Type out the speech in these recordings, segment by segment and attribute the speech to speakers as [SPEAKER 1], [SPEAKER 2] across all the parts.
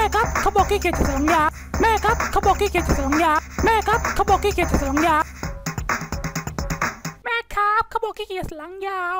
[SPEAKER 1] ครับเขาบอกขี้เกียจจะสังยาแม่ครับเขาบอกขี้เกียจจะสังยาแม่ครับเขาบอกขี้เกียจจะสังยาแม่ครับเขาบอกขี้เกียจหลังยาว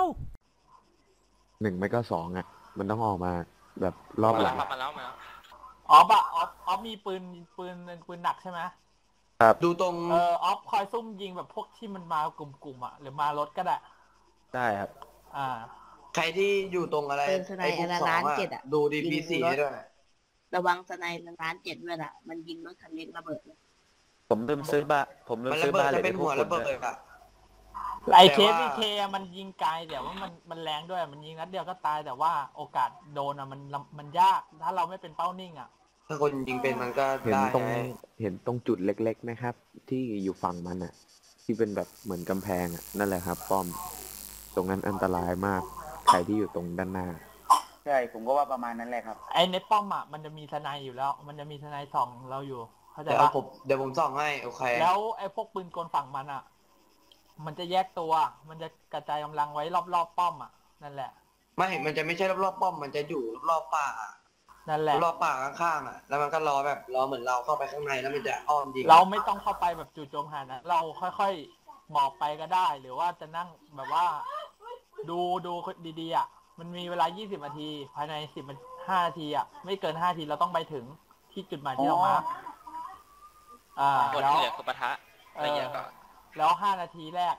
[SPEAKER 2] 1ไม่ก็2อ่ะมันต้องออกมาแบบรอบหลัง
[SPEAKER 3] มาแล้ว
[SPEAKER 4] ออฟอะออฟมีปืนหนักใช่ไหม
[SPEAKER 2] ครับ
[SPEAKER 5] ดูตรง
[SPEAKER 4] ออฟคอยซุ่มยิงแบบพวกที่มันมากลุ่มๆอะหรือมารถก็ได้
[SPEAKER 2] ได้ครับ
[SPEAKER 5] ใครที่อยู่ตรงอะไร
[SPEAKER 6] ไอ้พวก2อะ
[SPEAKER 5] ดูDP4ด้วย
[SPEAKER 6] ระวังสไนร้าน7ด้วยล่ะมันยิงรถคันเล็กระเบิดเลย
[SPEAKER 2] ผมลืมซื้อบ้า
[SPEAKER 5] จะเป็นหัวระเบิดอะ
[SPEAKER 4] ไอเคมันยิงไกลแต่ว่ามันแรงด้วยมันยิงนัดเดียวก็ตายแต่ว่าโอกาสโดนอะมันยากถ้าเราไม่เป็นเป้านิ่งอะ
[SPEAKER 5] ถ้าคนยิงเป็นมันก็ได้
[SPEAKER 2] เห็นตรงจุดเล็กๆไหมครับที่อยู่ฝั่งมันอ่ะที่เป็นแบบเหมือนกำแพงอ่ะนั่นแหละครับป้อมตรงนั้นอันตรายมากใครที่อยู่ตรงด้านหน้า
[SPEAKER 7] ใช่ผมก็ว่าประมาณนั้นแหละครับ
[SPEAKER 4] ไอในป้อมอ่ะมันจะมีทนายอยู่แล้วมันจะมีทนายส่องเราอยู่เข้าใจปะ
[SPEAKER 5] เดี๋ยวผมส่องให้โอเค
[SPEAKER 4] แล้วไอพวกปืนกลฝั่งมันอ่ะมันจะแยกตัวมันจะกระจายกำลังไว้รอบป้อมอ่ะนั่นแหละ
[SPEAKER 5] มันจะไม่ใช่รอบป้อมมันจะอยู่รอบป่า
[SPEAKER 4] นั่นแหละ
[SPEAKER 5] รอบป่าข้างๆอ่ะแล้วมันก็รอเหมือนเราเข้าไปข้างในแล้วมันจะอ้อมยิง
[SPEAKER 4] เราไม่ต้องเข้าไปแบบจู่โจมหานะเราค่อยๆหมอบไปก็ได้หรือว่าจะนั่งแบบว่าดูดีๆอ่ะมันมีเวลา20นาทีภายใน15นาทีอ่ะไม่เกิน5นาทีเราต้องไปถึงที่จุดหมายที่เรามา
[SPEAKER 3] คนที่เหลือคือปะทะอะไรอย่างเงี้ยก็
[SPEAKER 4] แล้ว5นาทีแรก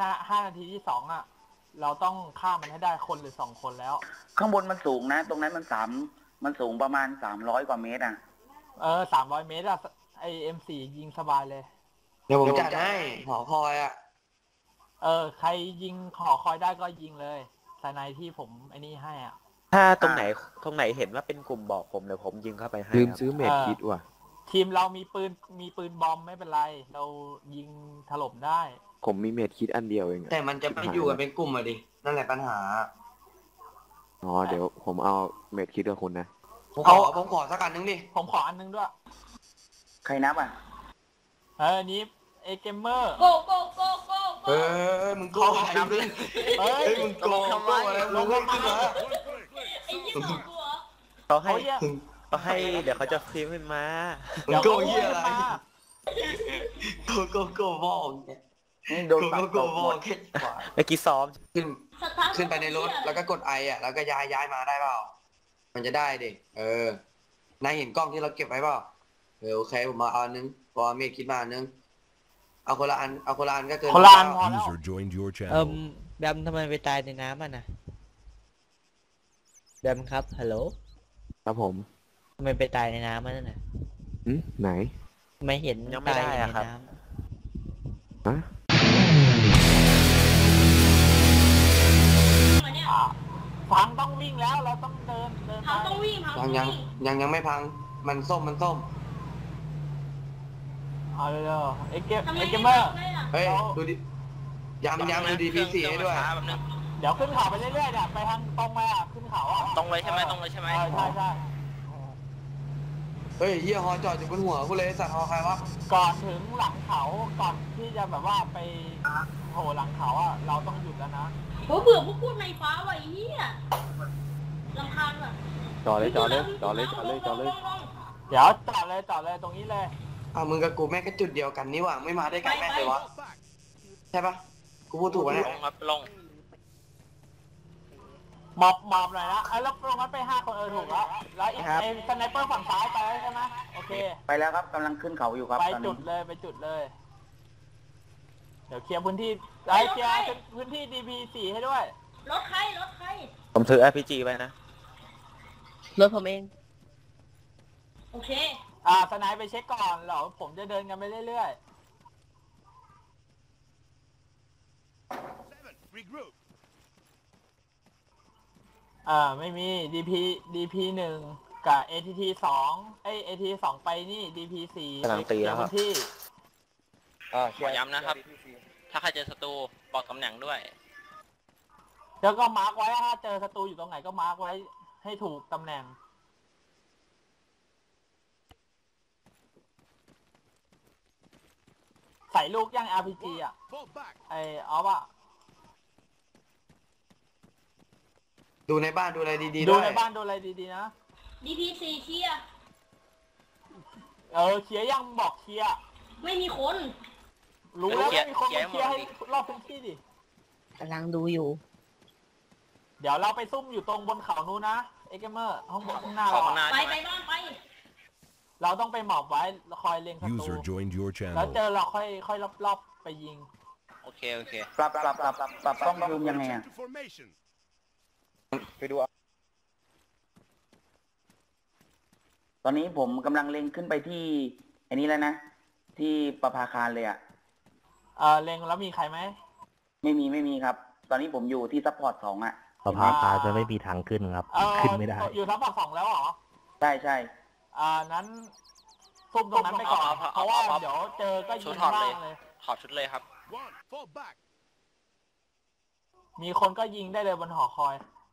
[SPEAKER 4] 5นาทีที่2อ่ะเราต้องฆ่ามันให้ได้คนหรือ2คนแล้ว
[SPEAKER 7] ข้างบนมันสูงนะตรงนั้นมันสูงประมาณ300กว่าเมตรอ่ะ
[SPEAKER 4] 300 เมตรอ่ะไอ M4 ยิงสบายเลย
[SPEAKER 5] เดี๋ยวผมจัดให้หอคอยอ่ะ
[SPEAKER 4] ใครยิงหอคอยได้ก็ยิงเลยสไนที่ผมไอ้นี่ให้อ่ะ
[SPEAKER 2] ถ้าตรงไหนเห็นว่าเป็นกลุ่มบอกผมเดี๋ยวผมยิงเข้าไปให้ลืมซื้อเมดคิดว่ะ
[SPEAKER 4] ทีมเรามีปืนบอมไม่เป็นไรเรายิงถล่มได้
[SPEAKER 2] ผมมีเมดคิดอันเดียวเอง
[SPEAKER 5] แต่มันจะไม่อยู่กันเป็นกลุ่มอ่ะดินั่นแหละปัญหา
[SPEAKER 2] เดี๋ยวผมเอาเมดคิดกับคุณนะ
[SPEAKER 5] ผมขอสักอันนึงดิ
[SPEAKER 4] ผมขออันนึงด้วย
[SPEAKER 7] ใครนับอ่ะ
[SPEAKER 4] นี้เกมเมอร์
[SPEAKER 6] โก
[SPEAKER 5] มึงโกงทำเลยมึงโกงอะไรลงขึ้นมา
[SPEAKER 6] ไอ้ยี่สองตัว
[SPEAKER 2] เขาให้เดี๋ยวเขาจะพิมพ์ขึ้นมา
[SPEAKER 5] มึงโกงเหี้ยอะไรโกมองเนี่ยโดนโกมองแค่
[SPEAKER 2] เมื่อกี้ซ้อม
[SPEAKER 5] ขึ้นไปในรถแล้วก็กดไออ่ะแล้วก็ย้ายมาได้เปล่ามันจะได้ดินายเห็นกล้องที่เราเก็บไว้เปล่าโอเคผมมาเอานึงพอเมฆคิดมานึงเอาคนละอันก็เกิน
[SPEAKER 4] คนละอันพอแล้ว
[SPEAKER 8] แบมทำไมไปตายในน้ำอ่ะนะแบมครับฮัลโหล
[SPEAKER 2] ครับผม
[SPEAKER 8] ทำไมไปตายในน้ำมันน่ะ
[SPEAKER 2] ไหน
[SPEAKER 8] ไม่เห็น
[SPEAKER 2] ยังไม่ได้อะครับ
[SPEAKER 4] พังต้องวิ่งแล้วเราต้องเดิน
[SPEAKER 6] พังต้องวิ่ง
[SPEAKER 5] ยังไม่พังมันส้ม
[SPEAKER 4] เอาเลยไอ้เกมเมอร์
[SPEAKER 5] เฮ้ยดูดิย้ำดูDP4ให้ด้วย
[SPEAKER 4] เดี๋ยวขึ้นเขาไปเรื่อยๆเนี่ยไปทางตรงมาขึ้นเขา
[SPEAKER 3] ตรงเลยใช่ไหม
[SPEAKER 4] ใช่
[SPEAKER 5] เฮ้ยเฮียฮอจอดอยู่บนหัวกูเลยสัตว์ฮอใครวะ
[SPEAKER 4] ก่อนถึงหลังเขาก่อนที่จะแบบว่าไปโผล่หลังเขาอ่ะเราต้องหยุดแล้วนะ
[SPEAKER 6] เบื่อพวกพูดในฟ้าไว้เฮียรำคาญว่ะ
[SPEAKER 2] จอดเลย
[SPEAKER 4] เดี๋ยวจอดเลยตรงนี้เลย
[SPEAKER 5] มึงกับกูแม่งก็จุดเดียวกันนี่หว่าไม่มาได้กันแม่เลยวะใช่ปะกูพูดถูกไหม
[SPEAKER 3] ลง
[SPEAKER 4] หมอบหน่อยนะแล้วลงนั้นไป5 คนถูกแล้วอีกไอ้สไนเปอร์ฝั่งซ้ายไปใช่ไหมโอเค
[SPEAKER 7] ไปแล้วครับกำลังขึ้นเขาอยู่ครับ
[SPEAKER 4] ไปจุดเลยเดี๋ยวเคลียร์พื้นที่เคลียร์พื้นที่ DP4 ให้ด้วย
[SPEAKER 6] รถใคร
[SPEAKER 2] ผมถือ RPG ไปนะ
[SPEAKER 8] รถผมเอง
[SPEAKER 6] โอเค
[SPEAKER 4] สไนไปเช็คก่อนเหรอผมจะเดินกันไปเรื่อยไม่มี DP1 กับ ATT2 ATT2 ไปนี่ DP4
[SPEAKER 2] กำลังตีแล้วครับ
[SPEAKER 4] ที่
[SPEAKER 3] ขอย้ำนะครับถ้าใครเจอศัตรูบอกตำแหน่งด้วย
[SPEAKER 4] แล้วก็มาร์กไว้ถ้าเจอศัตรูอยู่ตรงไหนก็มาร์กไว้ให้ถูกตำแหน่งใส่ลูกย่าง RPG อ่ะเอาป่ะ
[SPEAKER 5] ดูในบ้านดูอะไรดีๆ
[SPEAKER 4] ดูในบ้านดูอะไรดีๆนะ
[SPEAKER 6] DP4 เชียร์
[SPEAKER 4] เคลียร์ยังบอกเคลียร์
[SPEAKER 6] ไม่มีคน
[SPEAKER 4] รู้แล้วไม่มีคนมาเคลียร์ให้รอบพื้นที่ดิ
[SPEAKER 8] กำลังดูอยู่
[SPEAKER 4] เดี๋ยวเราไปซุ่มอยู่ตรงบนเขานู้นนะเอ็กเกมเมอร์ข้างหน้า
[SPEAKER 3] ขอ
[SPEAKER 4] เรา
[SPEAKER 3] ข้างหน้า
[SPEAKER 6] ไป
[SPEAKER 3] ใช่ไหม
[SPEAKER 6] ไปบ้านไป
[SPEAKER 4] เราต้องไปหมอบไว้คอยเล็งศัตรู
[SPEAKER 9] User joined your
[SPEAKER 4] แล้ว
[SPEAKER 9] channel.
[SPEAKER 4] เจอเราค่อยรอบๆไปยิง
[SPEAKER 3] โอเค
[SPEAKER 7] ปรับกล้องซูมยังไงอ่ะ
[SPEAKER 5] ไปดู
[SPEAKER 7] ตอนนี้ผมกำลังเล็งขึ้นไปที่อันนี้แล้วนะ ที่ประภาคารเลยอ่ะ
[SPEAKER 4] เล็งแล้วมีใครไหม
[SPEAKER 7] ไม่มีครับ ตอนนี้ผมอยู่ที่ซัพพอร์ต2อ่ะ
[SPEAKER 10] ประภาคารจะไม่มีทางขึ้นครับ ขึ้นไม่ได้
[SPEAKER 4] อยู่ทัพ2แล้วเหรอ
[SPEAKER 7] ใช่
[SPEAKER 4] นั้นซุ่มตรงนั้นไปก่อนเพราะว่าเดี๋ยวเจอก็ยิ
[SPEAKER 3] ชุด
[SPEAKER 4] ง
[SPEAKER 3] ถอด
[SPEAKER 4] บ้า
[SPEAKER 3] เลย
[SPEAKER 4] งเลย
[SPEAKER 3] ถอดชุดเลยครับ
[SPEAKER 4] มีคนก็ยิงได้เลยบนหอคอย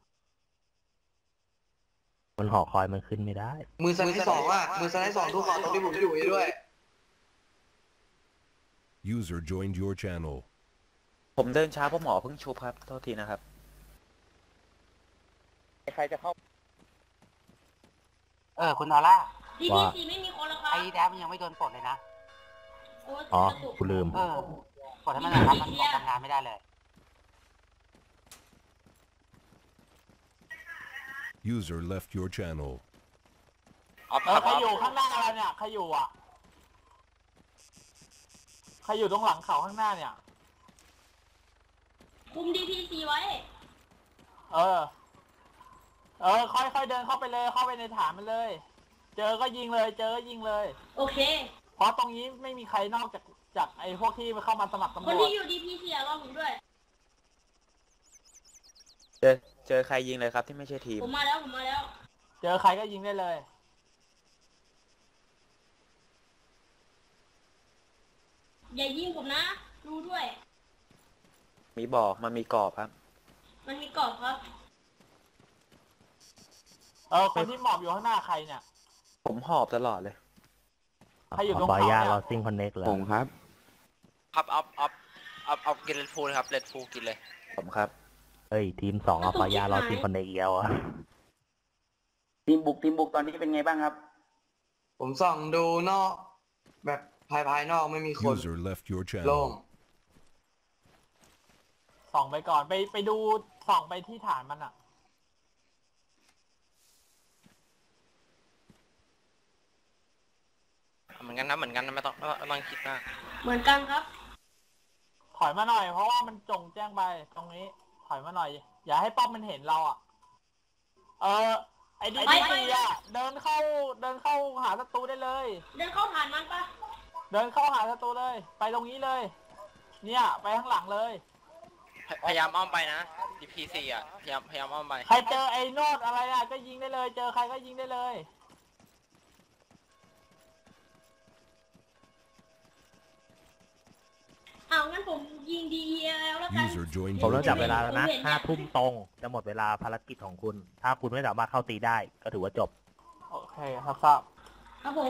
[SPEAKER 10] มันหอคอยมันขึ้นไม่ได้
[SPEAKER 5] มือสไลด์2อ่ะมือสไลด์2ทุกคนตรงที่ผมอยู่ด้วย
[SPEAKER 9] User joined your channel.
[SPEAKER 11] ผมเดินช้าเพราะหมอเพิ่งชุบครับโทษทีนะครับ
[SPEAKER 7] ใครจะเข้า
[SPEAKER 12] คุณออร่า
[SPEAKER 6] ดีพีซีไม่มีคนแล้วครับ
[SPEAKER 12] ไอ้แดมยังไม่โดนปลดเลยนะ
[SPEAKER 6] โอ้ย
[SPEAKER 10] อ๋อ
[SPEAKER 6] กระตุก
[SPEAKER 10] กูลืม
[SPEAKER 12] ปลดให้มันหน่อยครับมันบอกทำงานไม่ได้เลย
[SPEAKER 9] User left your channel.
[SPEAKER 3] ออฟครับ
[SPEAKER 4] ใครอยู่ข้างหน้าเราเนี่ยใครอยู่อ่ะใครอยู่ตรงหลังเขาข้างหน้าเนี่ย
[SPEAKER 6] คุมดีพีซีไว้
[SPEAKER 4] ค่อยๆเดินเข้าไปเลยเข้าไปในฐานมันเลย เจอก็ยิงเลยเจอก็ยิงเลย
[SPEAKER 6] โอเค
[SPEAKER 4] เพราะตรงนี้ไม่มีใครนอกจากไอ้พวกที่เข้ามาสมัครตำร
[SPEAKER 6] คน
[SPEAKER 4] วจ
[SPEAKER 6] ที่อยู่ดีพีซีรอผมด้วย
[SPEAKER 11] เจอใครยิงเลยครับที่ไม่ใช่ทีม
[SPEAKER 6] ผมมาแล้วผมมาแล้ว
[SPEAKER 4] เจอใครก็ยิงได้เลย
[SPEAKER 6] อย่ายิงผมนะ ดูด้วย
[SPEAKER 11] มีบอกมันมีกรอบครับ
[SPEAKER 6] มันมีกรอบครับ
[SPEAKER 4] คนที่หมอบอยู่ข้างหน้าใครเนี่ย
[SPEAKER 11] ผมหอบตลอดเลย
[SPEAKER 4] ใครอยู่ตรง
[SPEAKER 10] ขออนุญาต
[SPEAKER 4] เขาเนี่ย
[SPEAKER 10] เราซิงคอนเน็กเลย
[SPEAKER 2] ผมครับ
[SPEAKER 3] ครับเอากินเลดฟูลครับเลดฟูลกินเลย
[SPEAKER 11] ผมครับ
[SPEAKER 10] เอ้ย ทีม 2เอาขออนุญาตเราซิงคอนเน็กอีกแล้วอ่ะ
[SPEAKER 7] ทีมบุกตอนนี้เป็นไงบ้างครับ
[SPEAKER 5] ผมส่องดูนอก แบบภายนอกไม่มีคน
[SPEAKER 9] User left your
[SPEAKER 5] โล่ง
[SPEAKER 9] channel.
[SPEAKER 4] ส่องไปก่อนไปดูส่องไปที่ฐานมันอ่ะ
[SPEAKER 3] เหมือนกันนะไม่ต้องคิดมาก
[SPEAKER 6] เหมือนกันครับ
[SPEAKER 4] ถอยมาหน่อยเพราะว่ามันจงแจ้งไปตรงนี้ ถอยมาหน่อย อย่าให้ป้อมมันเห็นเราอ่ะ ไอ้ดี
[SPEAKER 6] ไป
[SPEAKER 4] พีอ่ะเดินเข้าหาศัตรูได้เลย
[SPEAKER 6] เดินเข้าฐานมันปะ
[SPEAKER 4] เดินเข้าหาศัตรูเลย ไปตรงนี้เลย เนี่ยไปข้างหลังเลย
[SPEAKER 3] พยายามอ้อมไปนะ DPC อ่ะพยายามอ้อมไป
[SPEAKER 4] ใครเจอไอ้โนดอะไรอ่ะก็ยิงได้เลย เจอใครก็ยิงได้เลย
[SPEAKER 6] เอางั้นผมยิง DEL แล้วกัน
[SPEAKER 9] User joined
[SPEAKER 10] ผม
[SPEAKER 9] your
[SPEAKER 10] เริ่มจับเวลา
[SPEAKER 9] channel.
[SPEAKER 10] แล้วนะ5 ทุ่มตรง จะหมดเวลาภารกิจของคุณ ถ้าคุณไม่สามารถเข้าตีได้ ก็ถือว่าจบ
[SPEAKER 4] โอเคครับทราบ
[SPEAKER 6] ครับผม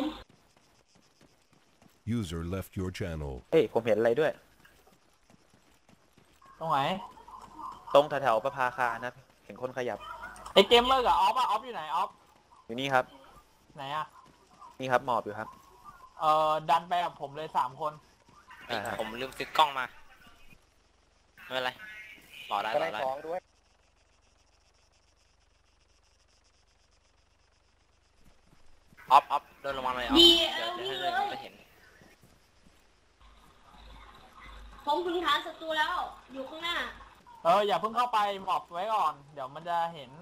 [SPEAKER 9] User left your channel.
[SPEAKER 11] เฮ้ยผมเห็นอะไรด้วย
[SPEAKER 4] ตรงไหน
[SPEAKER 11] ตรงแถวๆประภาคารนะ เห็นคนขยับ
[SPEAKER 4] ไอ้เกมเมอร์กับออฟอะออฟอยู่ไหนออฟ
[SPEAKER 11] อยู่นี่ครับ
[SPEAKER 4] ไหนอะ
[SPEAKER 11] นี่ครับหมอบอยู่ครับ
[SPEAKER 4] ดันไปกับผมเลย3 คน
[SPEAKER 3] ผมลืมซื้อกล้องมาไม่เป็นไรต่อได้
[SPEAKER 7] ด้วย
[SPEAKER 3] ออฟเดินลงมาเลยออฟ
[SPEAKER 6] DEL
[SPEAKER 3] เดี๋
[SPEAKER 6] วิ่
[SPEAKER 3] ยว
[SPEAKER 6] ง
[SPEAKER 3] ให้
[SPEAKER 6] เล
[SPEAKER 3] เดิน
[SPEAKER 6] ย
[SPEAKER 3] จะเห็น
[SPEAKER 6] ผมถึงฐานศัตรูแล้ว อยู่ข้างหน้า
[SPEAKER 4] อย่าเพิ่งเข้าไปหมอบไว้ก่อน เดี๋ยวมันจะเห็น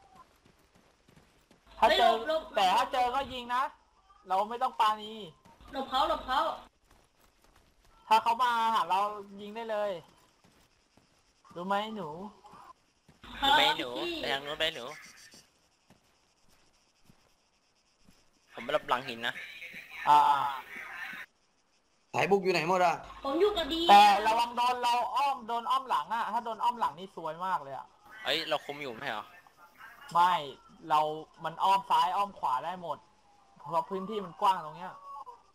[SPEAKER 4] ถ้าเจอ แต่ถ้าเจอก็ยิงนะ เราไม่ต้องปาณี
[SPEAKER 6] หลบเขา
[SPEAKER 4] ถ้าเขามาหาเรายิงได้เลย รู้ไหมหนู
[SPEAKER 3] ไปหนูไปทางนู้นไปหนู ผมไปรับหลังหินนะ
[SPEAKER 5] สายบุกอยู่ไหนหมดอ่ะ
[SPEAKER 6] ผมอยู่กับ DEL
[SPEAKER 4] แต่ระวังโดนอ้อมหลังอะถ้าโดนอ้อมหลังนี่ซวยมากเลยอะ
[SPEAKER 3] เอ้ยเราคุมอยู่ไม่ใช่เหรอ
[SPEAKER 4] ไม่มันอ้อมซ้ายอ้อมขวาได้หมด เพราะพื้นที่มันกว้างตรงเนี้ย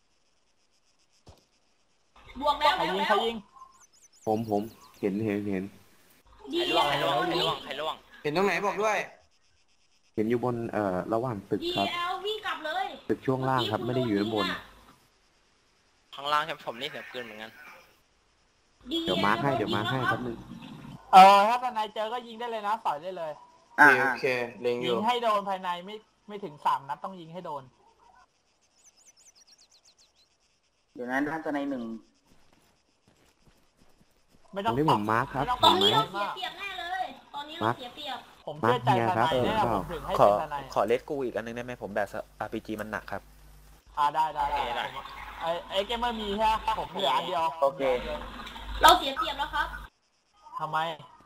[SPEAKER 6] บวกแล้ว
[SPEAKER 4] ใครยิง
[SPEAKER 2] ผมเห็น
[SPEAKER 3] ใครล่วง
[SPEAKER 6] DEL
[SPEAKER 5] เห็นตรงไหนบอกด้วย
[SPEAKER 2] เห็นอยู่บนระหว่างตึกครับ
[SPEAKER 6] DEL วิ่งกลับเลย
[SPEAKER 2] ตึกช่วงล่างครับไม่ได้อยู่ด้านบน
[SPEAKER 3] ข้างล่างใช่ไหมผมนี่เสียงปืนเหมือนกัน
[SPEAKER 2] เดี๋ยวมาร์คให้แป๊บนึง
[SPEAKER 4] ถ้าทนายเจอก็ยิงได้เลยนะสอยได้เลย
[SPEAKER 5] โอเคเล็งอ
[SPEAKER 4] ยิ
[SPEAKER 5] ยู่
[SPEAKER 4] งให้โดนภายในไม่ถึง3 นัดต้องยิงให้โดน
[SPEAKER 7] เดี๋ยวนั้นท่านทนายหนึ่ง
[SPEAKER 4] ไม่
[SPEAKER 2] ต
[SPEAKER 4] ต้
[SPEAKER 2] ร
[SPEAKER 4] อง
[SPEAKER 2] งนี้ผมมาร์คครับ
[SPEAKER 6] ตอน
[SPEAKER 2] เห็
[SPEAKER 6] นี้
[SPEAKER 2] น
[SPEAKER 6] เรา
[SPEAKER 2] ไหม
[SPEAKER 6] เสียเปรียบแน่เลย ตอนนี้เราเสียเปรียบ
[SPEAKER 4] ผมเชื่อใจทนายแน่ผมถึงให้
[SPEAKER 11] ขอ
[SPEAKER 4] เป็นทนาย
[SPEAKER 11] ขอเลสกูอีกอันนึงได้ไหมผมแบบ RPG มันหนักครับ
[SPEAKER 4] ได้ไอ้เกมเมอร์มีใช่ไหมผมเหลืออันเดียว
[SPEAKER 7] โอเค
[SPEAKER 6] เราเสียเปรียบแล้วครับ
[SPEAKER 4] ทำไม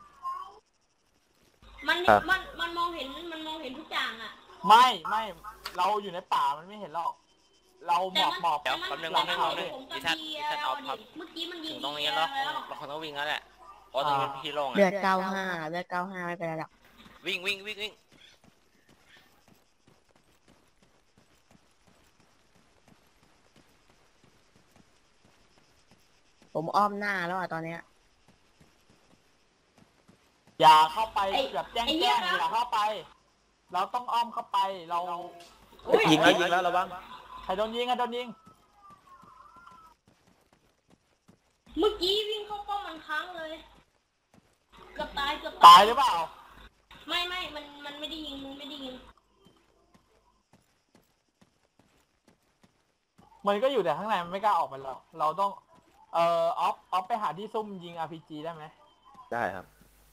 [SPEAKER 6] มันมองเห็นทุกอย่างอ่ะ
[SPEAKER 4] ไม่เราอยู่ในป่ามันไม่เห็นหรอกเราหมอบ
[SPEAKER 3] เดี๋ยวแป๊บนึงดิฉันเอาพับ
[SPEAKER 6] เมื่อกี้มันยิ
[SPEAKER 3] ถึ
[SPEAKER 6] ง
[SPEAKER 3] งตรงนี้แล้วเราคงต้องวิ่งแล้วแหละเพราะตรงนี้เป็นที่โล่ง
[SPEAKER 13] เลือ
[SPEAKER 3] อะ
[SPEAKER 13] ด95เลือด95ไม่เป็นไรหรอก
[SPEAKER 3] วิ่ง
[SPEAKER 13] ผมอ้อมหน้าแล้วอ่ะตอนเนี้ย
[SPEAKER 4] อย่าเข้าไปแบบแจ้งอย่าเข้าไป เราต้องอ้อมเข้าไปเรา
[SPEAKER 11] ยิงแล้วระวัง
[SPEAKER 4] ใครโดนยิง
[SPEAKER 6] เมื่อกี้วิ่งเข้าป้อมมันค้างเลยเกือบตาย
[SPEAKER 4] ตายหรือเปล่า
[SPEAKER 6] ไม่มันไม่ได้ยิง
[SPEAKER 4] มันก็อยู่แต่ข้างในมันไม่กล้าออกไปหรอกเราต้องออฟไปหาที่ซุ่มยิง RPG ได้ไหม
[SPEAKER 11] ได้ครับ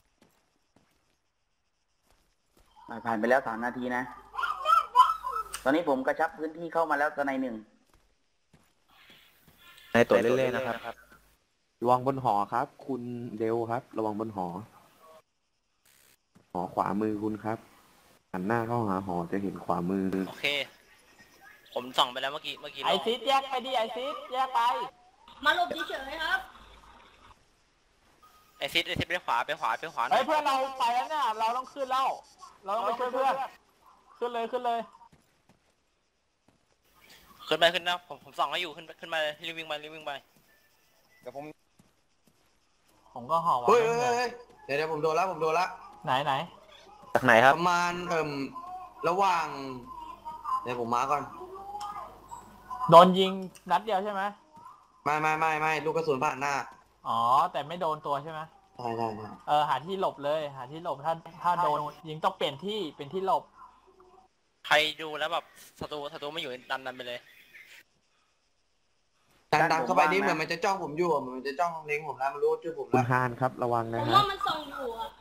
[SPEAKER 7] ผ่านไปแล้ว3 นาทีนะ ตอนนี้ผมกระชับพื้นที่เข้ามาแล้วทนายหนึ่ง
[SPEAKER 11] ในตัวเล่นๆนะครับ
[SPEAKER 2] ระวังบนหอครับ คุณเดวครับ ระวังบนหอขวามือคุณครับหันหน้าเข้าหาหอจะเห็นขวามือ
[SPEAKER 3] โอเค ผมส่องไปแล้วเมื่อกี้
[SPEAKER 4] ไอซิดแยกไปดิไอซิดแยกไป
[SPEAKER 6] มาหลบเฉยๆครับ
[SPEAKER 3] ไอซิดไปขวาหน่
[SPEAKER 4] เฮ้
[SPEAKER 3] อย
[SPEAKER 4] ยเพื่อนเราไปแล้วเนี่ยเราต้องขึ้นแล้วเราต้องไปช่วยเพื่อนขึ้นเลย
[SPEAKER 3] ขึ้นนะผมส่องให้อยู่ขึ้นมาเลยรีบวิ่งไปเดี๋ยว
[SPEAKER 4] ผมก็ห่อไว้
[SPEAKER 5] เฮ้ยเดี๋ยวผมโดนละ
[SPEAKER 4] ไหน
[SPEAKER 11] จากไหนครับ
[SPEAKER 5] ประมาณระหว่างเดี๋ยวผมมาก่อน
[SPEAKER 4] โดนยิงนัดเดียวใช่ไหม
[SPEAKER 5] ไม่ลูกกระสุนผ่านหน้า
[SPEAKER 4] อ๋อแต่ไม่โดนตัวใช่ไหม
[SPEAKER 5] ใช่
[SPEAKER 4] หาที่หลบเลยหาที่หลบถ้าโดนยิงต้องเปลี่ยนที่เป็นที่หลบ
[SPEAKER 3] ใครดูแล้วแบบศัตรูไม่อยู่ดันไปเลย
[SPEAKER 5] ดันเข้าไปนี่เหมือนมันจะจ้องผมอยู่เหมือนมันจะจ้องเล็งผมแล้วมันรู้ชื่อผม
[SPEAKER 2] คุ
[SPEAKER 5] แล้
[SPEAKER 2] ณ
[SPEAKER 5] ว
[SPEAKER 2] ฮานครับระวัง
[SPEAKER 6] ผ
[SPEAKER 2] นะ
[SPEAKER 6] ม
[SPEAKER 2] ฮะ
[SPEAKER 6] ว่ามันส่องอยู่อ่ะ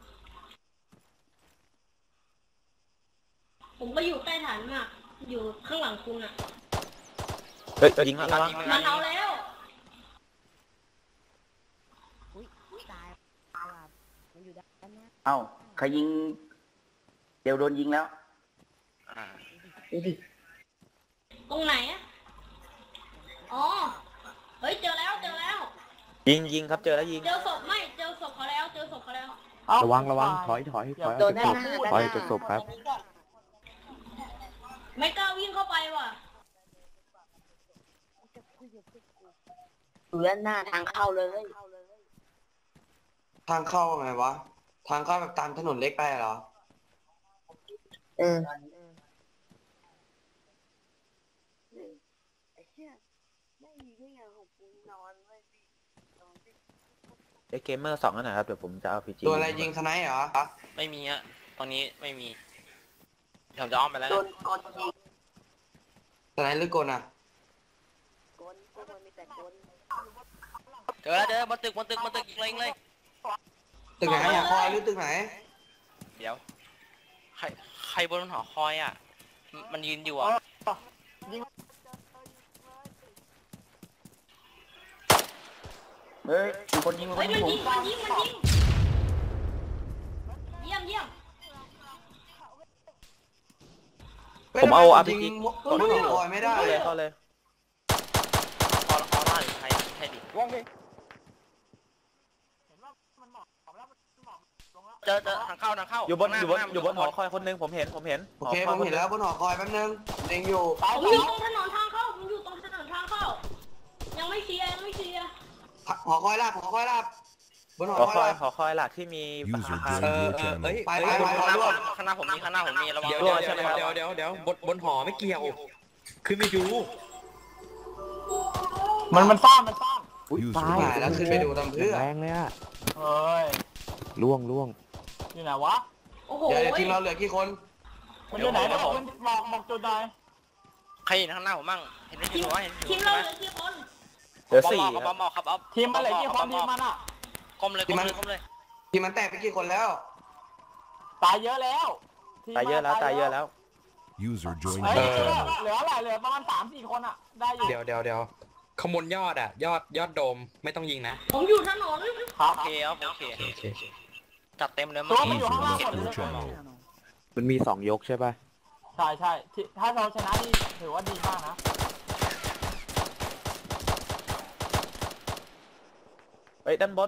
[SPEAKER 6] ผมก็อยู่ใต้ฐานมากอยู่ข้างหลังคุณอ่ะ
[SPEAKER 11] เฮ้ยยิงแล้วระวัง
[SPEAKER 6] มันเอาแล้ว
[SPEAKER 7] เอ้าใครยิง เดี๋ยวโดนยิงแล้ว
[SPEAKER 13] ดูดิ
[SPEAKER 6] ตรงไหนอ่ะอ๋อเฮ้ยเจอแล้ว
[SPEAKER 11] ยิงครับเจอแล้วยิง
[SPEAKER 6] เจอศพเขาแล้ว
[SPEAKER 2] ระวังถอย
[SPEAKER 13] โดน
[SPEAKER 2] จะ
[SPEAKER 13] ด้าน
[SPEAKER 2] ศ
[SPEAKER 13] ห
[SPEAKER 2] พ
[SPEAKER 13] น้า
[SPEAKER 2] ถอยจะศพครับ
[SPEAKER 6] ไม่กล้าวิ่งเข้าไปว่ะ
[SPEAKER 13] อยู่ด้านหน้าทางเข้าเลย
[SPEAKER 5] ทางเข้าไงวะทางเข้าแบบตามถนนเล็กไปเหรอ
[SPEAKER 11] ไอเกมเมอร์2นั่นนะครับเดี๋ยวผมจะเอา RPG
[SPEAKER 5] ตัวอะไรยิงสไนเหรอ
[SPEAKER 3] ไม่มีอะตรงนี้ไม่มีผมจะอ้อมไปแล้วนะ
[SPEAKER 5] สไนหรือกลอ่ะ
[SPEAKER 3] เจอบนตึกยิงเลย
[SPEAKER 5] ตึกไหนอ่ะคอยหรือตึกไหน
[SPEAKER 3] เดี๋ยวใครบนหอคอยอ่ะมันยืนอยู่อ่ะ
[SPEAKER 7] เฮ้ยมีคนยิง
[SPEAKER 6] เฮ้ยมันยิงเยี่ยม
[SPEAKER 11] ผมเอา RPG
[SPEAKER 5] กดหอคอยไม่ได้
[SPEAKER 11] เข้าเลย
[SPEAKER 3] ออร่าหรือใครดิเจอทางเข้า
[SPEAKER 11] อยู่บนหอคอยคนนึงผมเห็น
[SPEAKER 5] โอเคผมเห็นแล้วบนหอคอยแป๊บนึงเล็งอยู่
[SPEAKER 6] ผมอยู่ตรงถนนทางเข้ายังไม่เคลียร์
[SPEAKER 5] หอคอยลาบบนหอ
[SPEAKER 11] หอ
[SPEAKER 5] คอยลาบ
[SPEAKER 11] คอยหลักที่มี
[SPEAKER 9] User joined your channel.
[SPEAKER 5] ไป
[SPEAKER 3] ข้างหน้าผมมีระวัง
[SPEAKER 11] เดี๋ยวบนหอไม่เกี่ยว
[SPEAKER 14] ขึ้นไปดู
[SPEAKER 4] มันซ่อนมันซ่อน
[SPEAKER 2] อุ้ย
[SPEAKER 9] User
[SPEAKER 2] ตาย
[SPEAKER 5] หายแล้วขึ้นไปดูทำเพื่อ
[SPEAKER 2] แรงเลยอะ
[SPEAKER 4] เอ้ย
[SPEAKER 2] ล่วง
[SPEAKER 4] อยู่ไหนวะ
[SPEAKER 6] โอ้โห
[SPEAKER 5] เดี๋ยวทีมเราเหลือกี่คน
[SPEAKER 4] มันอยู่ไหนเดี๋ยวบอกจุดหน่อย
[SPEAKER 3] ใครเห็นข้างหน้าผมมั่งเห็นไหมเห็นไหมเห็น
[SPEAKER 6] ทีมเราเหลือกี่คน
[SPEAKER 11] เหลือสี่
[SPEAKER 3] บอมครับ
[SPEAKER 4] ทีมมันเหลือกี่คนทีมมันอ่ะ
[SPEAKER 3] ก้มเลย
[SPEAKER 5] ทีมมันแตกไปกี่คนแล้ว
[SPEAKER 4] ตายเยอะแล้วทีม
[SPEAKER 11] ตายเยอะแล้วตายเยอะแล้ว
[SPEAKER 9] User joined
[SPEAKER 4] เฮ้ย
[SPEAKER 9] your channel.
[SPEAKER 4] เหลืออะไรเหลือประมาณ3-4 คนอ่ะได้อยู่
[SPEAKER 14] เดี๋ยวขมวลยอดอ่ะ ยอดโดมไม่ต้องยิงนะ
[SPEAKER 6] ผมอยู่ถนน
[SPEAKER 4] ครับ
[SPEAKER 3] โอเคครับโอเคจัดเต็มเลย
[SPEAKER 4] ตัวมัน
[SPEAKER 9] User
[SPEAKER 4] อยู่ข้างล่างหม
[SPEAKER 9] left
[SPEAKER 4] ดเล
[SPEAKER 9] your
[SPEAKER 4] ย
[SPEAKER 9] channel.
[SPEAKER 2] มันมี2 ยกใช่ป่ะ
[SPEAKER 4] ใช่ถ้าเราชนะนี่ถือว่าดีมากนะ
[SPEAKER 11] เฮ้ยด้านบน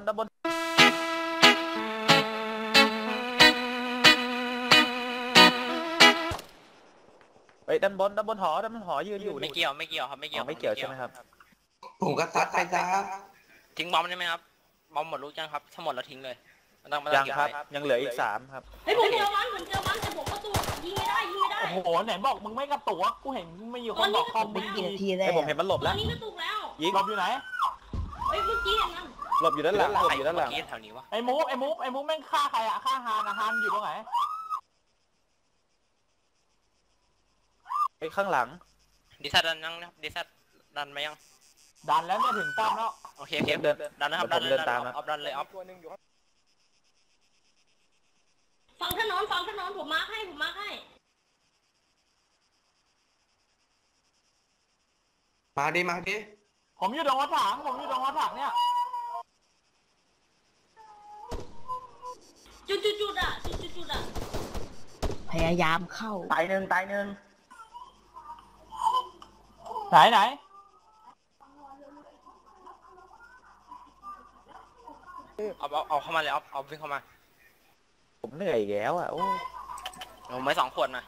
[SPEAKER 11] เฮ้ยด้านบนหอยืนอยู่
[SPEAKER 3] ไม่เกี่ยวครับไม่เกี่ยว
[SPEAKER 11] ไม่เกี่ยวใช่ไหมครับ
[SPEAKER 5] ผมก็ซัดไปซะ
[SPEAKER 3] ทิ้งบอมได้ไหมครับบอมหมดลูกยังครับถ้าหมดเราทิ้งเลยไม่ต้อง
[SPEAKER 11] ยัง
[SPEAKER 3] เกี่ยว
[SPEAKER 11] ครับยังเหลืออีก3ครับ
[SPEAKER 6] เฮ้ยผมเจอมันแต่ผมก็ตัวยิงไม่ได้
[SPEAKER 4] โอ้โหไหนบอกมึงไม่กระตุกกูเห็นไม่อยู่คนบอกคอม
[SPEAKER 13] ไม่
[SPEAKER 4] มึง
[SPEAKER 13] กี่นาทีแล้
[SPEAKER 11] ไอ้
[SPEAKER 13] ว
[SPEAKER 11] ผมเห็นมันหลบ
[SPEAKER 6] ตอ
[SPEAKER 11] แล้
[SPEAKER 6] น
[SPEAKER 11] ว
[SPEAKER 6] นี้ก็ตุกแล้ว
[SPEAKER 11] ยิง
[SPEAKER 4] หลบอยู่ไหน
[SPEAKER 6] เฮ้ยเมื่อกี้เห็นมัน
[SPEAKER 11] หลบอยู่ด้านหลัง
[SPEAKER 3] ใครเมื่อกี้แถวนี้วะ
[SPEAKER 4] ไอ้มูฟแม่งฆ่าใครอ่ะฆ่าฮานอยู่ตรงไหน
[SPEAKER 11] ไอ้ข้างหลัง
[SPEAKER 3] ดิซัดดันยังดิซัดดันไหมยัง
[SPEAKER 4] ดันแล้วเนี่ยถึงป้อมแล้ว
[SPEAKER 3] โอเคดันนะครับดันเลยออฟดันเลยออฟ
[SPEAKER 6] ฝั่งถนนผมมาร์คให้
[SPEAKER 5] มาดิ
[SPEAKER 4] ผมอยู่ตรงรถถังเนี่ย
[SPEAKER 6] จุดอ่ะ
[SPEAKER 13] พยายามเข้า
[SPEAKER 7] ตายหนึ่ง
[SPEAKER 4] ไหน
[SPEAKER 3] เอาเข้ามาเลยเอาวิ่งเข้ามา
[SPEAKER 11] ผมเหนื่อยอีกแล้วอ่ะโอ้
[SPEAKER 3] ผมไม่2 ขวดนะ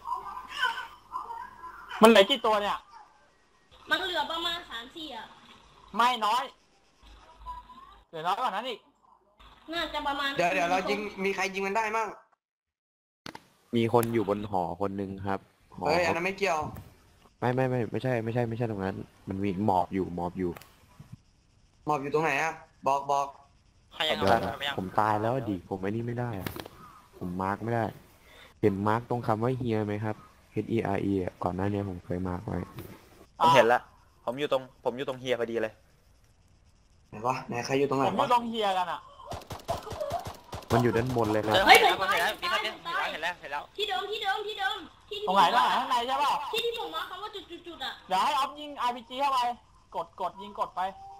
[SPEAKER 4] มันเหลือกี่ตัวเนี่ย
[SPEAKER 6] มันเหลือประมาณ3-4อ่ะ
[SPEAKER 4] ไม่น้อยเหลือน้อยกว่านั้นอีก
[SPEAKER 6] น่าจะประมาณ
[SPEAKER 5] เดี๋ยวเรายิงมีใครยิงมันได้มั่ง
[SPEAKER 2] มีคนอยู่บนหอคนนึงครับหอ
[SPEAKER 5] เฮ้ยอันนั้นไม่เกี่ยว
[SPEAKER 2] ไม่ใช่ตรงนั้น มันมีหมอบอยู่
[SPEAKER 5] หมอบอยู่ตรงไหนอะบอก
[SPEAKER 3] ใครยัง
[SPEAKER 2] เดี๋ยว
[SPEAKER 3] เอายัง
[SPEAKER 2] ผมตายแล้วดิผมไอ้นี่ไม่ได้อะผมมาร์กไม่ได้ เห็นมาร์กตรงคำว่าเฮียไหมครับ HERE อ่ะก่อนหน้านี้ผมเคยมาร์กไว้
[SPEAKER 11] ผมเห็นละผมอยู่ตรงเฮียพอดีเลย
[SPEAKER 5] ไหนวะไหนใครอยู่ตรงไหน
[SPEAKER 4] ผมอยู่
[SPEAKER 5] วะ
[SPEAKER 4] ตรงเฮียกันอ่ะ
[SPEAKER 2] มันอยู่ด้านบนเลยครับ
[SPEAKER 6] เฮ้ยผม
[SPEAKER 3] เห็นแล้ว
[SPEAKER 6] ตาย
[SPEAKER 3] เห็นแล้ว
[SPEAKER 6] ที่เดิมที่
[SPEAKER 4] ตรงไหนข้างในใช่ป่ะ
[SPEAKER 6] ที่ผมมาร์คคำว่าจุดอ่ะ
[SPEAKER 4] เดี๋ยวให้ออฟยิง RPG เข้าไปกดยิงกดไป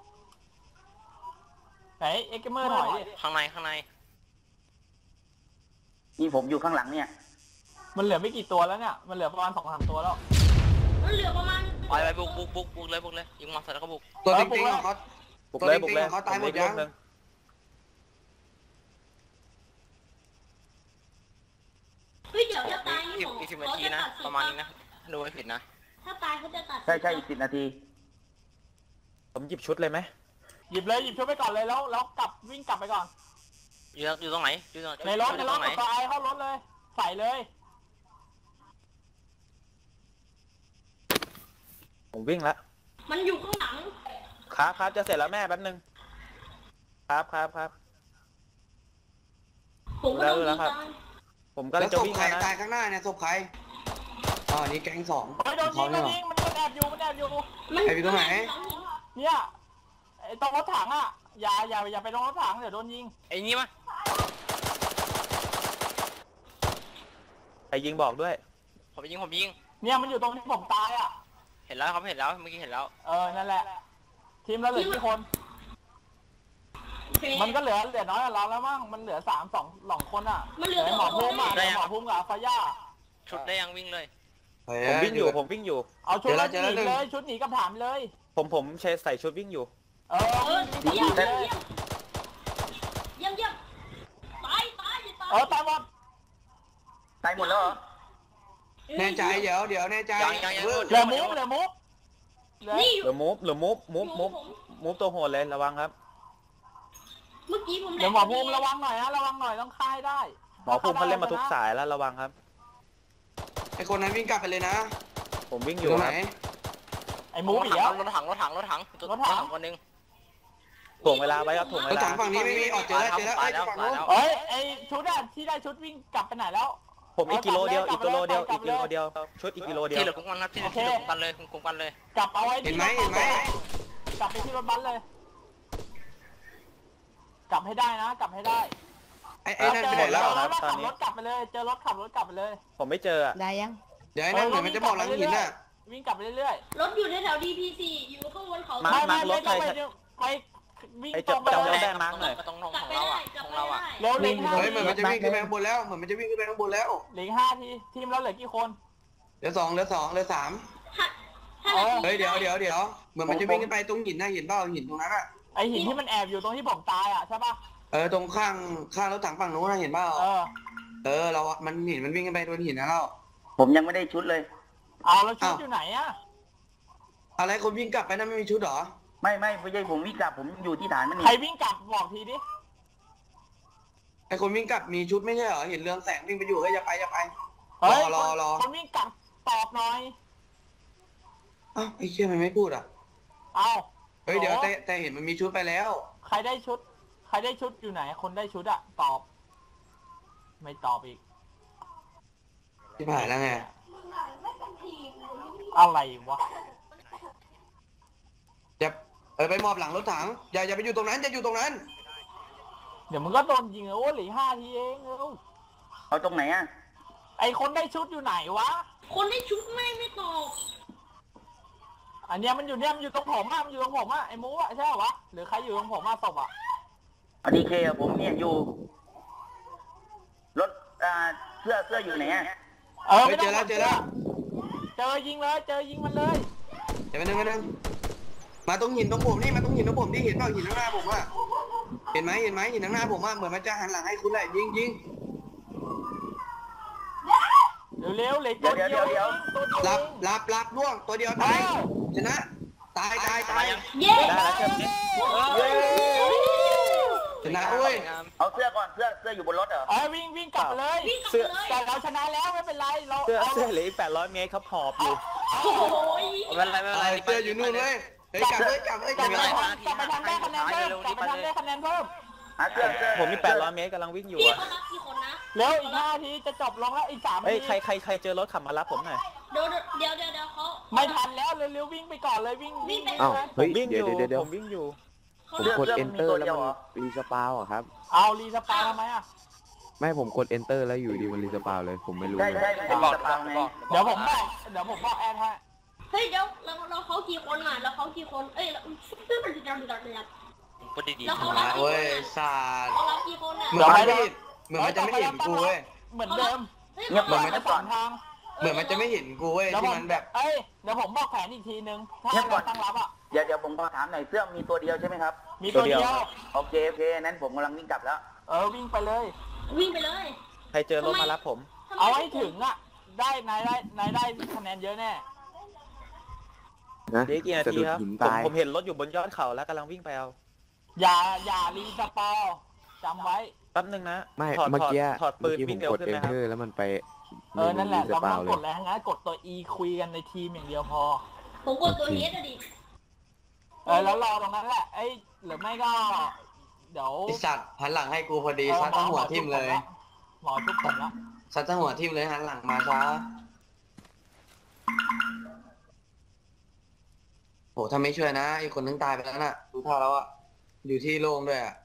[SPEAKER 4] ไหนเอ็กเกมเมอร์ถอยดิ
[SPEAKER 3] ข้างใน
[SPEAKER 7] นี่ผมอยู่ข้างหลังเนี่ย
[SPEAKER 4] มันเหลือไม่กี่ตัวแล้วเนี่ยมันเหลือประมาณ 2-3 ตัวแล้ว
[SPEAKER 6] มันเหลือประมาณ
[SPEAKER 3] ไปบุกเลยยิงมาเสร็จแล้วก็บุก
[SPEAKER 5] ตัวจริงๆของเขา
[SPEAKER 11] บุกเลย
[SPEAKER 5] เขาตายหมดยัง
[SPEAKER 6] เฮ้ยเดี๋ยวถ้าตายนี่ผม
[SPEAKER 3] อีก10 นาทีนะประมาณนี้นะดูไม่ผิดนะ
[SPEAKER 6] ถ้าตายเขาจะตัด
[SPEAKER 7] ใช่อีก10 นาที
[SPEAKER 11] ผมหยิบชุดเลยไหม
[SPEAKER 4] หยิบชุดไปก่อนเลยแล้วกลับวิ่งกลับไปก่อน
[SPEAKER 3] อยู่ตรงไหน
[SPEAKER 4] ในรถกดตัวไอเข้ารถเลยใส่เลย
[SPEAKER 11] ผมวิ่งละ
[SPEAKER 6] มันอยู่ข้างหลัง
[SPEAKER 11] ครับจะเสร็จแล้วแม่แป๊บนึงครับ
[SPEAKER 6] ผมก็ต้องยิงตาย
[SPEAKER 11] ผมก็
[SPEAKER 5] แล้
[SPEAKER 11] เลยว จะ
[SPEAKER 5] ศพ
[SPEAKER 11] วิ่ง
[SPEAKER 5] ใคร
[SPEAKER 11] แล้วนะ
[SPEAKER 5] ตายข้างหน้าเนี่ยศพใครอ๋อนี่แก๊ง2
[SPEAKER 4] โดนยิงมันแอบอยู่
[SPEAKER 5] ไอ้พี่ตรงไหน
[SPEAKER 4] เนี่ยไอ้ตรงรถถังอ่ะอย่าไปตรงรถถังเดี๋ยวโดนยิง
[SPEAKER 3] ไอ้นี่มา
[SPEAKER 11] ใครยิงบอกด้วย
[SPEAKER 3] ผมยิง
[SPEAKER 4] เนี่ยมันอยู่ตรงที่ผมตายอ่ะ
[SPEAKER 3] เห็นแล้วครับเห็นแล้วเมื่อกี้เห็นแล้ว
[SPEAKER 4] นั่นแหละทีมเราเหลือกี่คน มันก็เหลือน้อยกว่าเราแล้วมั้งมันเหลือ2 คนอ่ะ
[SPEAKER 6] มันเหลือ
[SPEAKER 4] หมอพุ่มกับฟาย่า
[SPEAKER 3] ชุดได้ยังวิ่งเลย
[SPEAKER 11] ผมวิ่งอยู่
[SPEAKER 4] เอาชุดหนีเลยชุดหนีกับถามเลย
[SPEAKER 11] ผมใส่ชุดวิ่งอยู่
[SPEAKER 6] เยี่ยมตาย
[SPEAKER 4] ตายหมด
[SPEAKER 7] ตายหมดแล้วเหรอ
[SPEAKER 5] แน่ใจเดี๋ยวแน่ใจ
[SPEAKER 4] เหลือมุก
[SPEAKER 6] นี่
[SPEAKER 11] เหลือมูฟตัวโหดเลยระวังครับ
[SPEAKER 6] เมื่อกี้ผม
[SPEAKER 4] เดี๋ยวหมอภูมิระวังหน่อยต้องค่ายได้
[SPEAKER 11] หมอภูมิเขาเล่นมาทุกสายแล้วระวังครับ
[SPEAKER 5] ไอคนนั้นวิ่งกลับไปเลยนะ
[SPEAKER 11] ผมวิ่งอ
[SPEAKER 5] อยู่
[SPEAKER 11] ยู่
[SPEAKER 5] ตรง
[SPEAKER 11] ค
[SPEAKER 5] ไหน
[SPEAKER 11] รับ
[SPEAKER 4] ไอ้หมูอีกแล้ว
[SPEAKER 3] รถถังคนหนึง
[SPEAKER 11] ถ่วงเวลาไว้ครับถ่วงเว
[SPEAKER 5] รถ
[SPEAKER 11] ลา
[SPEAKER 5] ถังฝั่งนี้ไม่มีออกเจอแล้วไอ้ฝั่งนู้น
[SPEAKER 4] เฮ้ยไอ้ชุดอะที่ได้ชุดวิ่งกลับไปไหนแล้ว
[SPEAKER 11] ผมอีกกิโลเดียวอีกกิโลเดียวอีกกิโลเดียวชุดอีกกิโลเดียว
[SPEAKER 3] ที่เหลือคุ้มกันครับที่เหลือคุ้มกันเลยคุ้มกันเลย
[SPEAKER 4] กลับเอาไว้
[SPEAKER 5] เห็นไหมเห็นไหม
[SPEAKER 4] กลับไปที่รถบัสเลย กลับให้ได้นะกลับให้ได้
[SPEAKER 5] ไอ้นั่นไปไหนแล้ว
[SPEAKER 4] ขับรถกลับไปเลยเจอรถขับรถกลับไปเลย
[SPEAKER 11] ผมไม่เจอ
[SPEAKER 13] ได้ยัง
[SPEAKER 5] เดี๋ยวไอ้นั่นเหมือนมันจะบอกหลังหินน่ะ
[SPEAKER 4] วิ่งกลับไปเรื่อย
[SPEAKER 6] รถอยู่ในแถว DP4 อยู่ข้างบนเขา
[SPEAKER 4] ๆไม่ต้องไปวิ่งตรงไป
[SPEAKER 11] จำ
[SPEAKER 4] เล
[SPEAKER 11] รถ
[SPEAKER 4] ย
[SPEAKER 11] ได้มาร์กหน่อย
[SPEAKER 3] ตรง
[SPEAKER 6] กลับ
[SPEAKER 3] ของ
[SPEAKER 6] ไป
[SPEAKER 3] เรา
[SPEAKER 6] ได้
[SPEAKER 3] อ่ะ
[SPEAKER 6] กลับ
[SPEAKER 3] ของ
[SPEAKER 6] ไป
[SPEAKER 3] เรา
[SPEAKER 6] ได้
[SPEAKER 3] อ่ะ
[SPEAKER 4] เร็วเหลือ
[SPEAKER 5] เฮ้ยเหมือนมันจะวิ่งขึ้นไปข้างบนแล้วเหมือนมันจะวิ่งขึ้นไปข้างบนแล้ว
[SPEAKER 4] เหลือ5 ทีทีมเราเหลือกี่คน
[SPEAKER 5] เหลือ2เหลือ3
[SPEAKER 6] ถ้าเรา
[SPEAKER 5] เฮ้ยเดี๋ยวเหมือนมันจะวิ่งขึ้นไปตรงหินน่ะหินเปล่าหินตรงนั้นอ่ะ
[SPEAKER 4] ไอหินที่มันแอบอยู่ตรงที่ผมตายอ่ะใช่ปะ
[SPEAKER 5] ตรงข้างรถถังฝั่งนู้นน่ะเห็นเปล่าเรามันหินมันวิ่งขึ้นไปโดนหินนะเรา
[SPEAKER 7] ผมยังไม่ได้ชุดเลย
[SPEAKER 4] เอาแล้วชุดอยู่ไหนอ่ะ
[SPEAKER 5] อะไรคนวิ่งกลับไปนั่นไม่มีชุดหรอ
[SPEAKER 7] ไม่ใช่ผมวิ่งกลับผมอยู่ที่ฐานมันนี่
[SPEAKER 4] ใครวิ่งกลับบอกทีดิ
[SPEAKER 5] ไอคนวิ่งกลับมีชุดไม่ใช่เหรอเห็นเรืองแสงวิ่งไปอยู่อย่าไป
[SPEAKER 4] เฮ้ย
[SPEAKER 5] รอ
[SPEAKER 4] คนวิ่งกลับตอบหน่อย
[SPEAKER 5] อ้าวไอ้เชี่ยมันไม่พูดอ่ะ
[SPEAKER 4] เอา
[SPEAKER 5] เฮ้ยเดี๋ยวแต่เห็นมันมีชุดไปแล้ว
[SPEAKER 4] ใครได้ชุดอยู่ไหนคนได้ชุดอะตอบ ไม่ตอบอีก
[SPEAKER 5] ที่ผ่านแล้วไง
[SPEAKER 4] อะไรวะ
[SPEAKER 5] จะไปมอบหลังรถถังอย่าไปอยู่ตรงนั้นจะอยู่ตรงนั้น
[SPEAKER 4] เดี๋ยวมึงก็โดนยิงเลยโอ้เหลือ5 ทีเองเร็ว
[SPEAKER 7] เอาตรงไหนอ่ะ
[SPEAKER 4] ไอคนได้ชุดอยู่ไหนวะ
[SPEAKER 6] คนได้ชุดไม่ตอบ
[SPEAKER 4] อันเนี้ยมันอยู่ตรงผมอะมันอยู่ตรงผมอะไอหมูอะใช่เหรอวะหรือใครอยู่ตรงผมอะศพอะ
[SPEAKER 7] อดีเคผมเนี่ยอยู่รถเสื้ออยู่ไหนอ่ะ
[SPEAKER 4] ไม่ต้อง
[SPEAKER 5] เจอแล้ว
[SPEAKER 4] เจอยิงเลยเจอยิงมันเลย
[SPEAKER 5] เดี๋ยวนึงมาตรงหินตรงผมนี่มาตรงหินตรงผมที่เห็นเปล่าหินข้างหน้าผมอ่ะเห็นไหมหินข้างหน้าผมอ่ะเหมือนมันจะหันหลังให้คุณแหละยิง
[SPEAKER 4] เร็วเลยตัวเดียว
[SPEAKER 5] รับล่วงตัวเดียวตายชนะตาย
[SPEAKER 6] เย้
[SPEAKER 11] ได้แล้วใช่ไหม
[SPEAKER 5] ชนะเว้ย
[SPEAKER 7] เอาเสื้อก่อนเสื้ออยู่บนรถเหรอ
[SPEAKER 4] วิ่งกลับเลย
[SPEAKER 11] เสื้อ
[SPEAKER 4] แต่เราชนะแล้วไม่เป็นไรเรา
[SPEAKER 11] เสื้อเหลืออีก800 เมตรครับหอบอยู่
[SPEAKER 6] โอ้โห
[SPEAKER 3] ไม่เป็นไร
[SPEAKER 5] เสื้ออยู่นู่นเลยกลับเลย
[SPEAKER 4] กลับไปทำได้คะแนนเพิ่มกลับไปทำได้คะแนนเพิ่ม
[SPEAKER 7] เสื้อ
[SPEAKER 11] ผมมี800 เมตรกำลังวิ่งอยู่
[SPEAKER 6] พี่
[SPEAKER 11] อะ
[SPEAKER 6] เขารับกี่คนนะ
[SPEAKER 4] เร็วอีก5 ทีจะจบลงแล้วอีก3
[SPEAKER 11] เฮ้ย
[SPEAKER 4] ที
[SPEAKER 11] ใครเจอรถขับมารับผมหน่อย
[SPEAKER 6] เดี๋ยวเขา
[SPEAKER 4] ไม่ทันแล้วเร็ววิ่งไปก่อนเลยวิ่ง
[SPEAKER 2] อ้าวเฮ้ย
[SPEAKER 11] วิ่งอ
[SPEAKER 2] เดี๋ยว
[SPEAKER 11] ยู่
[SPEAKER 2] เดี๋ยว
[SPEAKER 11] ผมวิ่งอยู่
[SPEAKER 2] ผมกด enter แล้วมันรีสปาวอ่ะครับ
[SPEAKER 4] เอารีสปาทำไมอะ
[SPEAKER 2] ไม่ผมกด enter แล้วอยู่ดีมันรีสปาวเลยผมไม่รู้
[SPEAKER 7] ใช่
[SPEAKER 2] เลย
[SPEAKER 7] ไม่บอกไง
[SPEAKER 4] เดี๋ยวผมบอกแอนให้
[SPEAKER 6] เฮ้ยเดี๋ยวเราเขากี่คนอ่ะเราเขากี่คนเอ้ยตื้อมันจะดัง
[SPEAKER 3] พูดดี
[SPEAKER 6] แล้วเขา
[SPEAKER 5] มาเว้ยศาสตร์
[SPEAKER 6] เขารับกี่คนอ่ะ
[SPEAKER 5] เหมือนมันจะไม่เห็นกูเว้ย
[SPEAKER 4] เหมือนเดิม
[SPEAKER 7] เงียบ
[SPEAKER 5] เหมือนมัน
[SPEAKER 4] ไป
[SPEAKER 5] จะ
[SPEAKER 4] สองทาง
[SPEAKER 5] เหมือนมันจะไม่เห็นกูเว้ยที่มันแบบ
[SPEAKER 4] เดี๋ยวผมบอกแผนอีกทีนึงถ้าเราตั้งรับอ่ะ
[SPEAKER 7] เดี๋ยวผมขอถามหน่อยเสื้อมีตัวเดียวใช่ไหมครับ
[SPEAKER 4] มีตัวเดียว
[SPEAKER 7] โอเคนั้นผมกำลังวิ่งกลับแล้ว
[SPEAKER 4] วิ่งไปเลย
[SPEAKER 6] วิ่งไปเลย
[SPEAKER 11] ใครเจอรถมารับผม
[SPEAKER 4] เอาให้ถึงอ่ะได้นายได้คะแนนเยอะแน่
[SPEAKER 2] นะ
[SPEAKER 11] เดี๋ยวกี่นา
[SPEAKER 2] สะ
[SPEAKER 11] ที
[SPEAKER 2] ดุด
[SPEAKER 11] ครับ
[SPEAKER 2] หิน
[SPEAKER 11] ผม
[SPEAKER 2] ตาย
[SPEAKER 11] ผมเห็นรถอยู่บนยอดเขาแล้วกำลังวิ่งไปเอา
[SPEAKER 4] อย่ารีสปอร์จำไว้
[SPEAKER 11] แป๊บนึงนะ
[SPEAKER 2] ไม่
[SPEAKER 11] ถอด
[SPEAKER 2] เมื่อกี้
[SPEAKER 11] ถอดปืน
[SPEAKER 2] ผ
[SPEAKER 11] วิ่
[SPEAKER 2] ม
[SPEAKER 11] งเร็ว
[SPEAKER 2] กด
[SPEAKER 11] ขึ้นไหมครับ
[SPEAKER 2] enter แล้วมันไป
[SPEAKER 4] นั่นแหละ
[SPEAKER 2] รี
[SPEAKER 4] เรา
[SPEAKER 2] ส
[SPEAKER 4] ไม่
[SPEAKER 2] ปา
[SPEAKER 4] ต้
[SPEAKER 2] ว
[SPEAKER 4] อง
[SPEAKER 2] เล
[SPEAKER 4] ก
[SPEAKER 2] ย
[SPEAKER 4] ดอะไรทั้งนั้นกดตัว E คุยกันในทีมอย่างเดียวพอ
[SPEAKER 6] ผมกดตัวเฮดอะดิ
[SPEAKER 4] แล้วรอตรงนั้นแหละหรือไม่ก็เดี๋ยว
[SPEAKER 5] ไอสัตว์หันหลังให้กูพอดีซัดทั้งหัวทิ่มเลย
[SPEAKER 4] หมอทุบผมละ
[SPEAKER 5] ซัดทั้งหัวทิ่มเลยหันหลังมาซะโหถ้าไม่ช่วยนะไอคนนึงตายไปแล้วน่ะดูท่าแล้วอะอยู่ที่โล่งด้วยอะ